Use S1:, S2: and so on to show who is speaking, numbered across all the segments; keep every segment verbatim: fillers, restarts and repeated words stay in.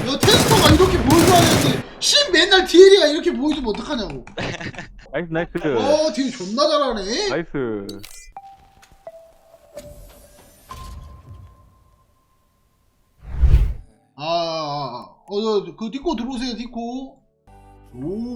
S1: 야 테스터가 이렇게 보여줘야 되는데 신 맨날 디엘이가 이렇게 보여주면 어떡하냐고.
S2: 나이스 나이스.
S1: 어 디엘 존나 잘하네.
S2: 나이스.
S1: 아, 어, 어, 그 디코 들어오세요, 디코. 오,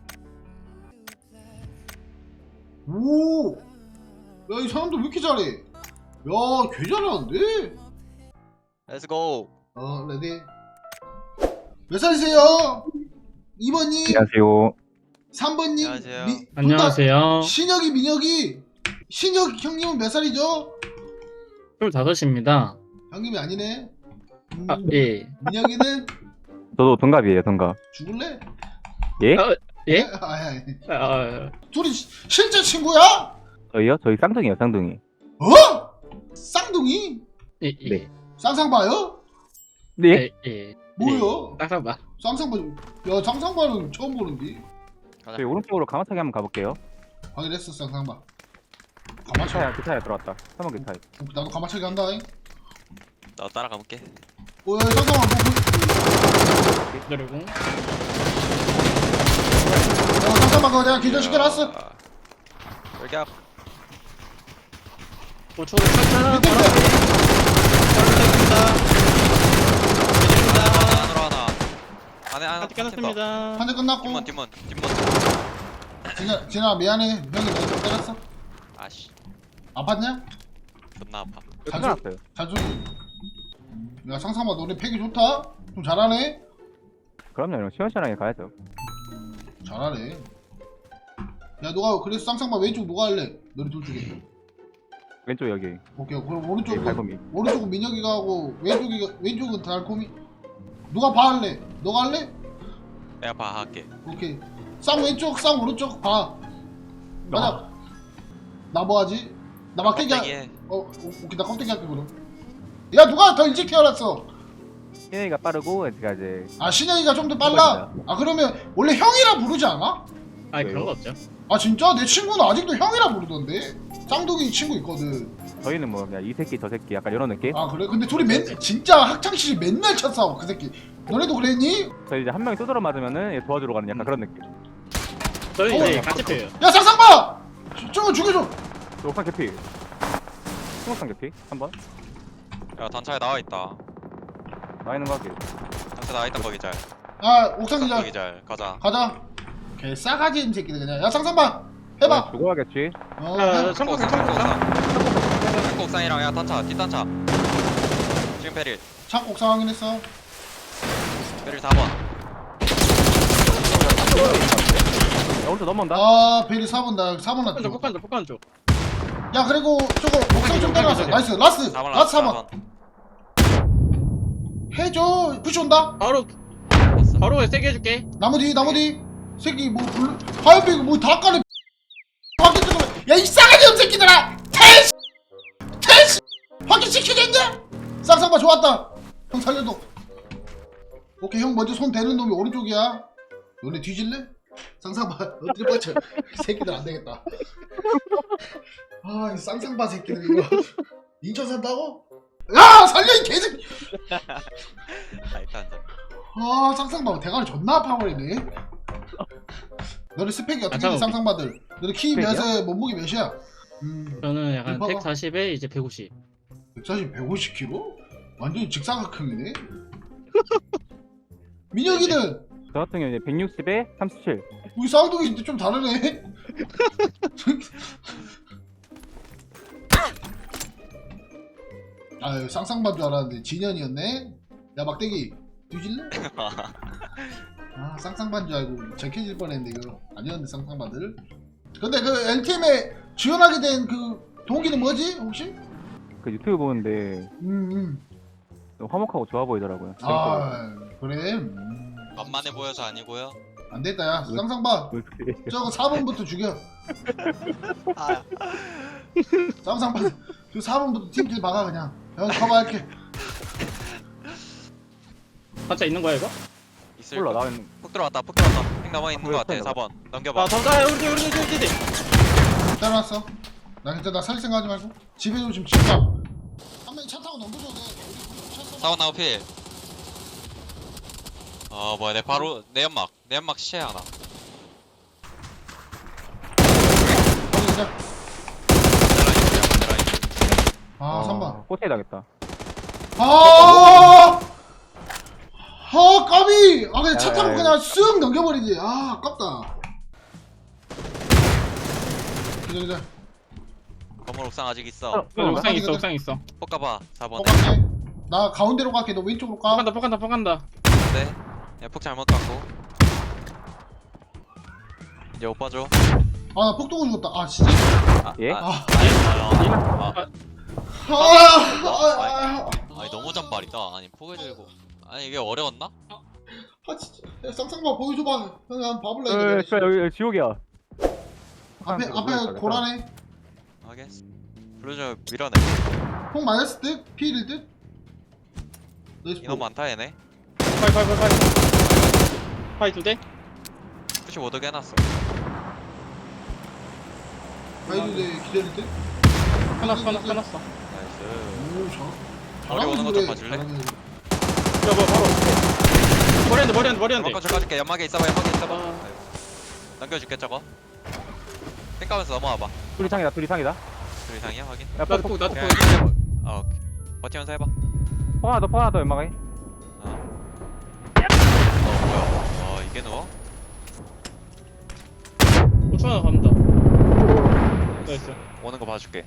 S1: 오, 야, 이 사람들 왜 이렇게 잘해? 야, 개 잘하는데?
S3: Let's go.
S1: 어, 레디. 몇 살이세요? 이 번님,
S2: 안녕하세요.
S1: 삼 번님,
S3: 안녕하세요.
S1: 미,
S4: 안녕하세요.
S1: 신혁이, 민혁이. 신혁 형님은 몇 살이죠?
S4: 스물다섯입니다.
S1: 형님이 아니네. 음,
S4: 아, 예.
S1: 민혁이는
S2: 저도 동갑이에요, 동갑.
S1: 죽을래?
S2: 예?
S4: 어, 예?
S1: 아, 아, 아.
S4: 아,
S1: 둘이 시- 실제 친구야?
S2: 저희요? 저희 쌍둥이요, 쌍둥이.
S1: 어? 쌍둥이?
S4: 예, 예.
S2: 네.
S1: 쌍쌍바요?
S2: 네?
S4: 예, 예.
S1: 뭐야?
S4: 딱딱 봐.
S1: 쌍쌍바, 야 쌍쌍바는 처음 보는데.
S3: 가자.
S2: 저희 오른쪽으로 가마차기 한번 가볼게요.
S1: 확인했어 쌍쌍바. 가마차기.
S2: 기차야, 기차에 들어왔다. 삼번 기차에.
S1: 나도 가마차기 한다. 잉?
S3: 나 따라가 볼게.
S1: 어, 야 쌍쌍바 뭐, 그,
S4: 기다리고.
S1: 야 쌍쌍바 그거 내가 기절시켜놨어.
S3: 돌격.
S4: 고초를 쳤잖아.
S1: 밑에 밑에.
S3: 안으로 하나. 안에 하나.
S4: 파티 끝났습니다.
S1: 한대 끝났고.
S3: 뒷문 뒷문 뒷문.
S1: 진아 진아 미안해. 형이 내가 때렸어.
S3: 아씨.
S1: 아팠냐?
S3: 존나 아파.
S1: 잘
S2: 끝났어요.
S1: 잘 쏘. 야 쌍쌍바 너네 패기 좋다. 좀 잘하네.
S2: 그럼요, 형. 시원시원하게 가야죠.
S1: 잘하네. 야 너가 그래서 쌍쌍바 왼쪽 누가 할래? 너네 둘 중에.
S2: 왼쪽 여기.
S1: 오케이 그럼
S2: 여기
S1: 오른쪽은
S2: 발범이.
S1: 오른쪽은 민혁이가 하고 왼쪽이 왼쪽은 달콤이. 누가 봐 할래? 너가 할래?
S3: 내가 봐 할게.
S1: 오케이. 쌍 왼쪽, 쌍 오른쪽 봐. 맞아. 나 뭐 하지? 나 막대기 하...
S3: 껍데기에.
S1: 어, 오- 오케이 나 껍데기 할게 그럼. 야 누가 더 일찍 태어났어?
S2: 신혜이가 빠르고, 제가 이제.
S1: 아 신영이가 좀 더 빨라. 아 그러면 원래 형이라 부르지 않아?
S4: 아, 그런 거 없죠.
S1: 아 진짜? 내 친구는 아직도 형이라 부르던데. 쌍둥이 친구 있거든.
S2: 저희는 뭐, 그냥 이 새끼, 저 새끼, 약간 이런 느낌?
S1: 아 그래? 근데 둘이 맨 진짜 학창 시절 맨날 쳐 싸워 그 새끼. 너네도 그랬니?
S2: 저희 이제 한 명이 두드러 맞으면은 얘 도와주러 가는 약간 그런 느낌.
S4: 저희
S1: 어,
S4: 이제 같이 펴요.
S1: 야 쌍쌍봐! 저거 죽여줘.
S2: 저 옥상 개피. 스모상 개피? 한 번.
S3: 야 단차에 나와 있다.
S2: 나 있는 거 할게.
S3: 단차 나와 있다 거기 잘.
S1: 아 옥상 기자
S3: 거기 잘. 가자.
S1: 가자. 개 싸가지 임 새끼들 그냥. 야 쌍쌍봐 해봐.
S2: 죽어야겠지.
S1: 어,
S4: 아,
S1: 해봐.
S4: 청구,
S3: 옥상
S4: 청구,
S3: 창고
S4: 청구.
S3: 옥상. 창고 옥상이랑 야 단차 뒷단차. 지금 페릴.
S1: 창고 옥상 확인했어.
S3: 페릴 사 번.
S2: 야, 오른쪽 넘어온다.
S1: 아 베리 사 번 나 사 번
S4: 폭간 쪽,
S1: 났죠.
S4: 폭간 쪽, 폭간 쪽.
S1: 야 그리고 저거 옥상 좀 때려놨어.
S4: 저기.
S1: 나이스 라스
S3: 사 번
S1: 라스 사 번.
S3: 사 번.
S1: 해줘. 푸시 온다.
S4: 바로,
S3: 봤어.
S4: 바로 세게 해줄게.
S1: 나무 뒤 나무 뒤. 새끼 뭐 불. 하얀빛 뭐다 까네. 확인 좀. 야이 싸가지 임 새끼들아. 테스 테스 확인 시키겠냐? 쌍쌍봐 좋았다. 형 살려도. 오케이 형 먼저 손 대는 놈이 오른쪽이야. 너네 뒤질래? 쌍쌍봐 어떻게 뻗쳐? 새끼들 안 되겠다. 아, 이 쌍쌍봐 새끼들 이거 인천 산다고? 야 살려 이 개새끼.
S3: 아 일단 자.
S1: 아 쌍쌍봐 대가리 존나 아파버리네. 너네 스펙이 어떻게 돼
S4: 아,
S1: 쌍쌍바들? 너네 키
S2: 스펙이요?
S1: 몇에 몸무게 몇이야? 음
S4: 저는 약간
S1: 봐봐.
S4: 백사십에 이제 백오십.
S1: 백사십, 백오십 킬로그램? 완전 직사각형이네. 민혁이는
S2: 저 같은 경우는 이제 백육십에 삼십칠.
S1: 우리 쌍둥이인데 좀 다르네. 아유 쌍쌍반 줄 알았는데 진현이었네. 야 막대기 뒤질래? 아 쌍쌍반 줄 알고 적혀질 뻔했는데 이거 아니었는데 쌍쌍반들. 근데 그 엔티엠에 지원하게 된 그 동기는 뭐지 혹시?
S2: 그 유튜브 보는데
S1: 음, 음.
S2: 화목하고 좋아 보이더라고요.
S1: 아 그래? 음.
S3: 만만해 보여서 아니고요.
S1: 안 됐다 야 쌍쌍반
S2: 재밌더라고요.
S1: 저거 사 번부터 죽여.
S3: 아.
S1: 쌍쌍반 그 사 번부터 팀킬 박아 그냥. 형 커버할게.
S4: 한자 있는 거야, 이거?
S3: 있을
S2: 몰라,
S3: 거.
S2: 나 있는.
S3: 푹 들어왔다. 푹 들어왔다. 핑 남아 있는
S2: 아,
S3: 거 같아.
S2: 보였어,
S3: 사 번. 넘겨봐.
S4: 아, 잠깐, 우리, 우리, 우리, 우리, 우리.
S1: 때려놨어. 나 진짜 나 살 생각하지 말고 집에 좀 지금 진짜 한 명이 차 타고 넘겨줘도 돼. 우리 쳤어.
S3: 사 번 나무 필. 어 뭐야 내 바로 내 연막 내 연막 시체 하나.
S1: 확인 기절.
S3: 내 라인
S1: 아 삼 번.
S2: 포트에 당했다.
S1: 아, 아 까비. 아 그냥 차
S2: 야,
S1: 타고
S2: 야, 야.
S1: 그냥 쓱 넘겨버리지. 아 아깝다. 기절 기절.
S3: 건물 옥상 아직 있어.
S2: 어.
S4: 어, 옥상
S1: 가자,
S4: 있어
S1: 가자.
S4: 옥상 있어.
S3: 폭가봐 사 번.
S1: 폭갈게. 나 가운데로 갈게. 너 왼쪽으로 가.
S4: 폭간다 폭간다 폭간다.
S3: 네. 야폭 잘못 갔고. 이제 오빠 줘.
S1: 아나 폭도고 죽었다. 아 진짜.
S3: 아,
S2: 예?
S3: 아,
S1: 아.
S3: 아, 아, 아,
S1: 아, 아, 아,
S3: 아니 너무 잔발이다. 아니 포개 들고. 아니 이게 어려웠나?
S1: 아 진짜. 야, 쌍쌍봐 보여줘봐. 형 한 봐볼래
S2: 어,
S1: 이거.
S2: 씨발, 여기, 여기 지옥이야.
S1: 앞에 앞에 고라네.
S3: 알겠어. 블루저 밀어내.
S1: 폭 맞았을 듯. 피일 듯. 나이스.
S3: 인원 많다 얘네.
S4: 파이 파이 파이 파이. 파이 두 대.
S3: 구십오 도 해놨어.
S1: 바이두대 기다릴 듯.
S4: 하나 하나 하나어.
S3: 나이스.
S1: 오 잘.
S3: 머리 오는 거좀 봐줄래?
S4: 야 뭐 바로. 머리 한대 머리 한대 머리 한대.
S3: 한번 줘 연막에 있어봐 연막에 있어봐.
S4: 아.
S3: 아이고. 남겨줄게 저거. 땡까면서 넘어와봐.
S2: 둘 이상이다, 둘 이상이다.
S3: 둘 이상이야 확인.
S2: 야,
S4: 나도
S2: 폭,
S4: 폭 나도
S3: 그냥
S4: 폭.
S3: 이제 뭐- 아 오케이. 버티면서 해봐.
S2: 폭 하나 더, 폭 하나 더, 연막에.
S3: 어. 어 뭐야? 어 이게 누워?
S4: 오천 하나 갑니다. 나이스.
S3: 오는 거 봐줄게.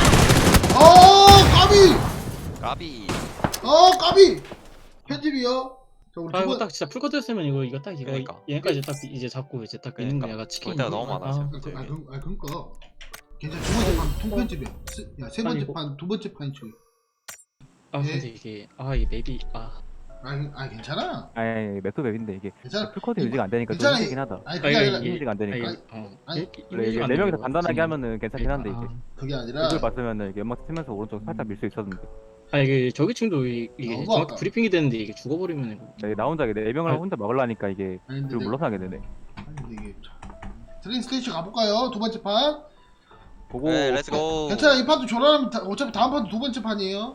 S1: 어 까비.
S3: 까비.
S1: 어 까비. 편집이요. 자 우리
S4: 아 이거
S1: 두 번.
S4: 딱 진짜 풀커트였으면 이거 이거 딱 이거
S3: 그러니까.
S4: 얘네까지 딱 이제 잡고 이제 딱 있는
S3: 그러니까.
S4: 거야 치킨.
S3: 볼 때가 너무 많아, 지금.
S1: 아, 그- 아, 그- 아 그니까. 괜찮아. 두 번째 판 통편집이야. 야세 번째
S4: 아니고.
S1: 판 두 번째 판이 쳐.
S4: 아
S1: 예?
S4: 근데 이게 아 이 맵이 아.
S1: 아, 아 괜찮아.
S2: 아니, 맥도 맵인데, 이게.
S1: 괜찮아.
S2: 풀코드 유지가 안 되니까 좀
S1: 괜찮아.
S2: 힘들긴 하다.
S1: 아니
S4: 아,
S1: 그게
S4: 이거
S1: 아니라
S4: 이게-
S2: 유지가 안
S4: 아,
S2: 되니까.
S4: 이거, 어.
S1: 아니,
S4: 이-
S2: 원래 이게
S4: 이미지가
S2: 네
S4: 안
S2: 명이서
S4: 되고
S2: 간단하게
S4: 지금-
S2: 하면은 괜찮긴 한데, 이게.
S1: 그게 아니라.
S2: 이걸 봤으면은 이게 연막 치면서 오른쪽 살짝 밀 수 있었는데.
S4: 아 이게 저기 층도 이- 이게
S1: 너무
S4: 정확히
S1: 아까.
S4: 브리핑이 되는데 이게 죽어버리면 이거.
S2: 네, 나 혼자 네 명을
S4: 아니.
S2: 혼자 막으려니까 이게
S1: 아니 근데
S2: 그걸
S1: 내가-
S2: 물러서 하게 되네.
S1: 아니 근데 이게 트레인 스테이션 가볼까요? 두 번째 판.
S2: 보고
S3: 네 렛츠고.
S1: 괜찮아 이 판도 조라하면 다- 어차피 다음 판도 두 번째 판이에요.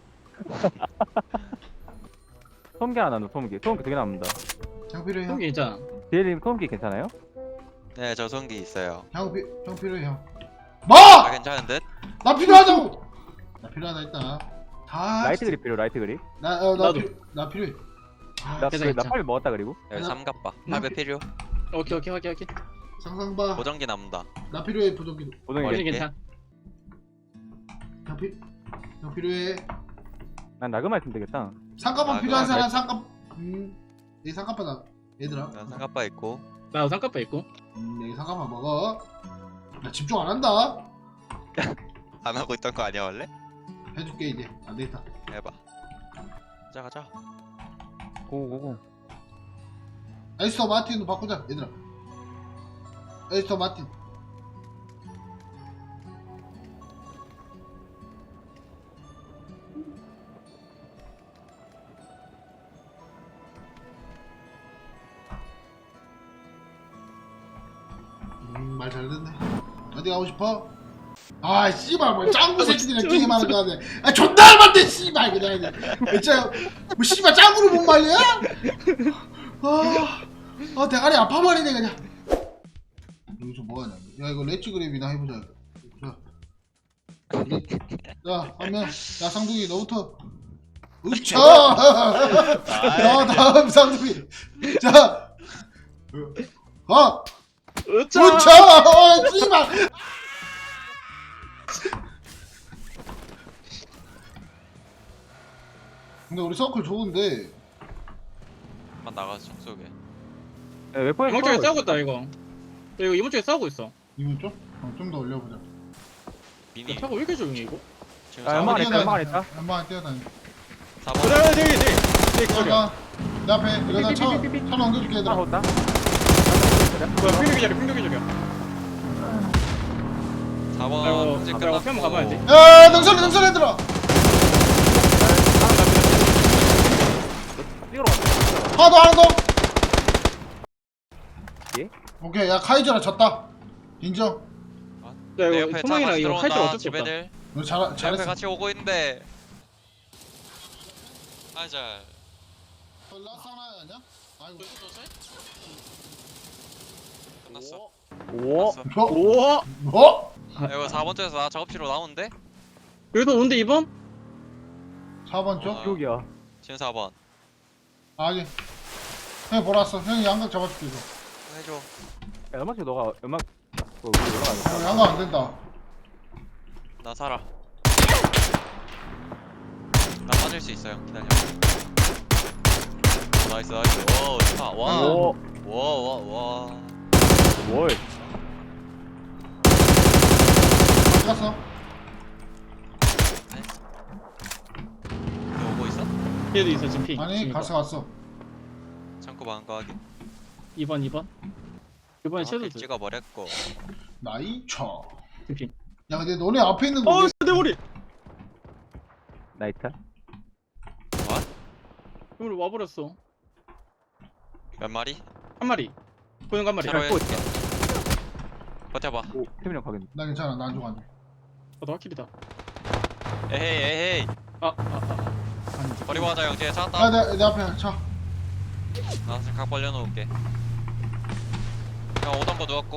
S2: 소음기 하나 넣어, 소음기. 소음기 두개 남는다.
S1: 형 필요해 형.
S4: 형이 있잖아.
S2: 디엘님 소음기 괜찮아요?
S3: 네 저성기 있어요.
S1: 형, 피, 형 필요해 형.
S3: 아
S1: 뭐?
S3: 괜찮은 듯?
S1: 나 필요하다고. 나 필요하다 일단. 다.
S2: 라이트 그립 필요, 라이트 그립.
S1: 나, 어, 나,
S4: 나도.
S1: 필요, 나 필요해. 아,
S2: 나,
S4: 괜찮아,
S2: 그, 나
S4: 괜찮아.
S2: 팔 먹었다, 그리고.
S3: 여기
S1: 나-
S3: 삼갑바.
S1: 나
S3: 팔배
S1: 피-
S3: 필요.
S4: 오케이 오케이 오케이 오케이.
S1: 상상봐.
S3: 보정기 남는다.
S1: 나 필요해 보정기도.
S2: 보정이
S3: 머리-
S4: 어디
S3: 이렇게?
S4: 괜찮아.
S1: 형 필. 형 필요해.
S2: 난 나그마 있으면 되겠다.
S1: 상가방
S3: 아,
S1: 필요한
S3: 그거
S1: 사람 상가. 음. 내 상가바다. 얘들아.
S3: 난 삼갑바 있고.
S4: 나도 상가빠 있고.
S1: 음, 내 상가방 먹어. 나 집중 안 한다.
S3: 안 하고 있던 거 아니야 원래?
S1: 해줄게 이제. 안 되겠다.
S3: 해봐. 가자 가자.
S2: 고고고.
S1: 에스터 마틴도 바꾸자 얘들아. 에스터 마틴. 음, 말 잘 듣네. 어디 가고 싶어? 아, 씨발, 뭐, 짱구 새끼들이랑 게임하는 거 하네. 아, 존나 할만데, 씨발, 그냥. 진짜, 뭐, 씨발, 짱구를 못 말려? 아, 아, 대가리 아파버리네, 그냥. 여기서 뭐 하냐. 야, 이거 렛츠 그랩이나 해보자. 자. 자, 한 명. 야, 쌍둥이, 너부터. 으차! 야, 다음 쌍둥이. 자. 어!
S4: 으짜.
S1: 으차! 어, 씨발! 근데 우리 서클 좋은데.
S3: 한번 나가서 총 쏘게.
S2: 네, 웨포에
S4: 이번 쪽에 싸우고 있다 이거. 야, 이거 이번 쪽에 싸우고 있어.
S1: 이분 좀? 어, 좀 더 올려보자.
S3: 미니.
S4: 차가 왜 이렇게 조용해 이거?
S3: 지금
S2: 아, 연막
S3: 사번
S2: 안에 있다, 연막 안에 있다.
S1: 연막 안에 뛰어다니.
S3: 사 번.
S4: 그래 저기 저기 저기 저기.
S1: 잠깐. 내 앞에 이거 나 차,
S2: 삐삐삐삐삐.
S1: 차 넘겨줄게
S2: 하나
S1: 얘들아.
S2: 걷다.
S4: 뭐야 핑계기 자리 핑계기 자리야.
S3: 사 번.
S4: 아이고,
S3: 이제
S4: 아이고,
S3: 끝났고.
S4: 펴면 가봐야지.
S1: 야, 능선해, 능선해 얘들아.
S2: 뛰어러 왔다.
S1: 하나 더, 하나 더.
S2: 예?
S1: 오케이, 야 카이저라 졌다. 인정.
S4: 야
S3: 내
S4: 이거
S3: 옆에 차
S4: 소망이랑
S3: 같이
S4: 이거 할줄
S3: 들어온다.
S4: 어쩔 수 없다.
S3: 집애들.
S1: 너 잘,
S3: 내 옆에
S1: 잘했어.
S3: 같이 오고 있는데. 아 잘.
S1: 라스 하나 아니야? 아이고.
S3: 끝났어.
S2: 오.
S3: 끝났어.
S1: 어?
S4: 우와.
S1: 뭐?
S3: 이거 사 번째에서 나 작업실로 나오는데?
S4: 여기도 오는데 이 번?
S1: 사 번 쪽?
S3: 어.
S2: 여기야.
S3: 지금 사 번.
S1: 아니. 형이 보러 왔어. 형이 양각 잡아줄게 이거.
S3: 해줘.
S2: 야, 음악지 너가 음악 그 위로 올라가자.
S1: 어, 양각 안 된다.
S3: 나 살아. 나 빠질 수 있어요. 기다려. 오, 나이스 나이스. 오 좋다. 와.
S2: 오.
S3: 와 와 와.
S2: 뭘?
S1: 어디 갔어?
S3: 너 오고 있어?
S4: 얘도 있어 지금 핑.
S1: 아니
S4: 지금
S1: 갔어 갔어.
S3: 창고 방거 하기.
S4: 이 번 이 번. 이번에
S3: 아,
S4: 섀도우
S3: 길 찍어버렸고.
S1: 나이차.
S4: 지금 핑.
S1: 야 근데 너네 앞에 있는 거
S4: 어
S1: 왜?
S4: 내 머리.
S2: 나이트?
S4: 우리 와버렸어.
S3: 몇 마리?
S4: 한 마리. 보는 거 한 마리.
S3: 차로
S4: 아,
S3: 해줄게. 버텨봐.
S2: 오, 태민이 형 가겠네.
S1: 나 괜찮아. 나 안 죽어 안 죽어.
S4: 너 확실이다.
S3: 에헤이 에헤이.
S4: 아, 아, 아. 아니지.
S3: 버리고 가자 형. 뒤에
S1: 야,
S3: 찾았다.
S1: 내, 내 앞에 차.
S3: 나 지금 각 벌려놓을게. 형 오던 거 누웠고.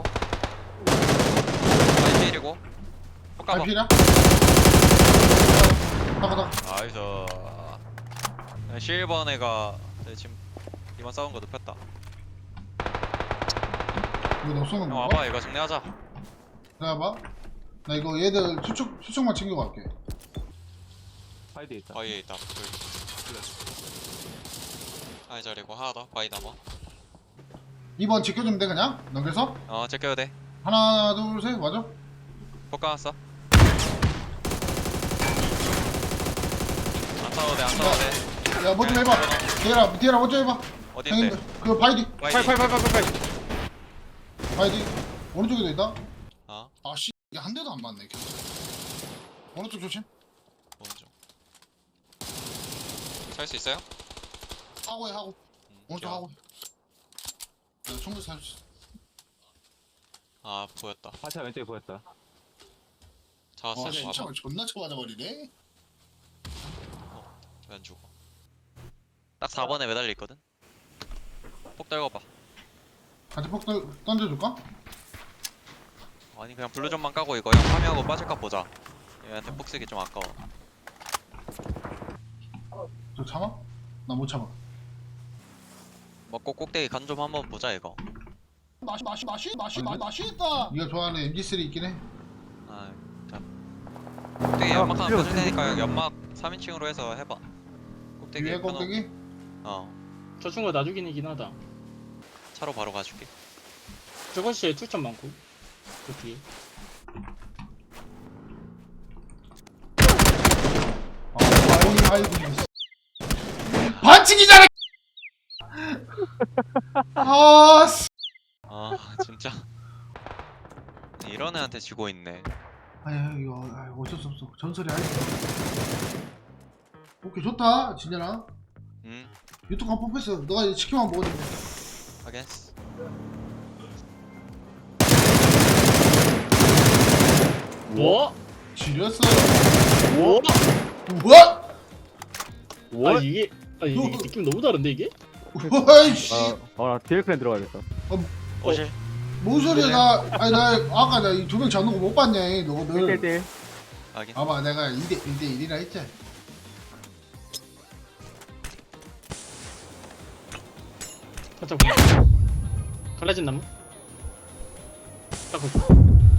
S3: 아이 필이고. poka봐.
S1: 알피냐? 나가 나가.
S3: 나이스. 실버 애가 지금 이번 싸운 거 눕혔다.
S1: 이거 너 쏘는
S3: 형
S1: 거?
S3: 와봐 이거 정리하자.
S1: 기다려봐. 나 이거 얘들 수축 수축만 챙겨갈게.
S2: 파이드에 있다.
S3: 바위에 있다. 둘. 아이 자리고 하나 더. 바위 남아.
S1: 이 번 지켜주면 돼 그냥. 넘겨서
S3: 어 제껴도 돼.
S1: 하나 둘 셋 맞아?
S3: poka왔어. 안 싸워도 돼안 싸워도 돼.
S1: 야 뭐 좀 해봐. 디에라 디에라 뭐 좀 해봐.
S3: 어딘데?
S1: 형님들 그 바이디
S3: 바위.
S4: 팔팔팔팔팔.
S1: 바이디 오른쪽에도 있다.
S3: 어
S1: 아씨 이게 한 대도 안 맞네. 계속. 오른쪽 조심.
S3: 오른쪽. 살 수 있어요?
S1: 하고 해 하고.
S3: 음,
S1: 오른쪽
S3: 귀여워.
S1: 하고 해. 야 충분히 살수 있어.
S3: 아 보였다.
S2: 파차 왼쪽에 보였다.
S3: 잡았어.
S1: 와 진짜
S3: 와봐.
S1: 존나 쳐맞아버리네.
S3: 왜 안 죽어? 딱 사 번에 매달려 있거든. 폭 떨궈봐.
S1: 같이 폭 던- 던져줄까?
S3: 아니 그냥 블루존만 까고 이거 형 파밍하고 빠질까 보자. 얘한테 폭 쓰기 좀 아까워.
S1: 저 참아? 나 못 참아.
S3: 먹고 꼭대기 간 좀 한번 보자 이거.
S1: 맛이 맛이 맛이 맛이 맛 맛있다. 네가 좋아하는 엠지 쓰리 있긴 해.
S3: 아, 자. 꼭대기
S2: 아,
S3: 연막 하나
S2: 필요
S3: 펴줄 테니까 형 연막 삼 인칭으로 해서 해봐. 꼭대기
S1: 위에
S3: 펴놓고.
S1: 꼭대기?
S3: 어.
S4: 저 친구가 나중이긴 하다.
S3: 차로 바로 가줄게.
S4: 저것이 출전 많고. 그 뒤에.
S1: 아, 아이고 아이고. 반칙이잖아. 아, 씨.
S3: 아 진짜. 이런 애한테 지고 있네.
S1: 아야 이거 아이, 어쩔 수 없어. 전설이 아니야. 오케이 좋다 진현아.
S3: 응.
S1: 유튜브 한 뽑혔어. 너가 이제 치킨만 먹어주면 돼.
S3: 하겠어.
S4: 뭐?
S1: 지렸어.
S4: 뭐?
S1: 우와!
S2: 뭘?
S4: 아 이게 아 이게
S1: 뭐?
S4: 느낌 너무 다른데 이게?
S1: 우와이씨.
S2: 어, 어, 나 디엘 클랜 들어가야겠다.
S3: 오실.
S1: 뭔 소리야 나 아니 나 아까 나 이 두 명 잡는 거 못 봤냐
S2: 일
S1: 너거든.
S2: 대 일.
S3: 하긴.
S1: 봐봐 내가 이 대 일 대 일이라 했지.
S4: 살짝 보. 갈라진 나무? 딱 보고.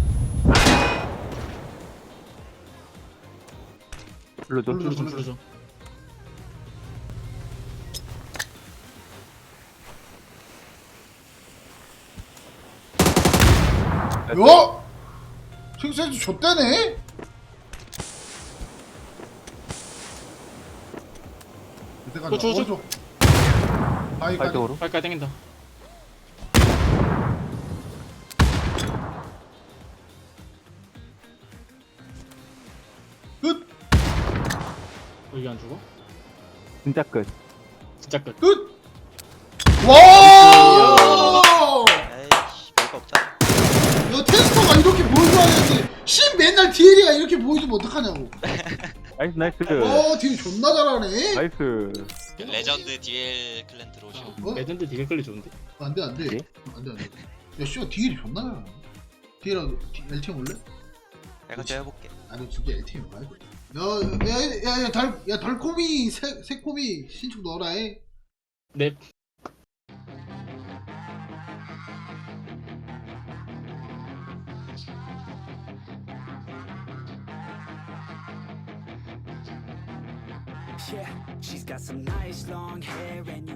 S2: 불러줘.
S1: 불러줘.
S4: 불러줘 불러줘.
S1: 요? 생선도 줬다네? 이때까지
S4: 어, 줘, 줘.
S1: 오른쪽 바위까지
S2: 발쪽으로.
S4: 빨리까지 땡긴다.
S1: 끝!
S4: 여기 안 죽어?
S2: 진짜 끝.
S4: 진짜 끝.
S1: 끝! 와!
S3: 에이씨 별거 없잖아.
S1: 이거 테스터가 이렇게 보여줘야 되는데 신 맨날 디엘이가 이렇게 보여주면 어떡하냐고.
S2: 아, 나이스 나이스
S1: 어 딜 존나 잘하네.
S2: 나이스.
S3: 레전드 디엘 클랜 들어오시오.
S1: 어?
S4: 레전드 디게 끌리 좋은데?
S1: 안돼 안돼
S2: 예?
S1: 안돼 안돼. 야 씨가 딜이 존나 잘하네. 딜이랑 엘티엠 올래?
S3: 내가 제가 해볼게.
S1: 아니 진짜 엘티엠 가야 돼. 야야야야달야 달콤이 새 새콤이 신축 넣어라 해.
S4: 넵.
S5: Yeah, she's got some nice long hair and you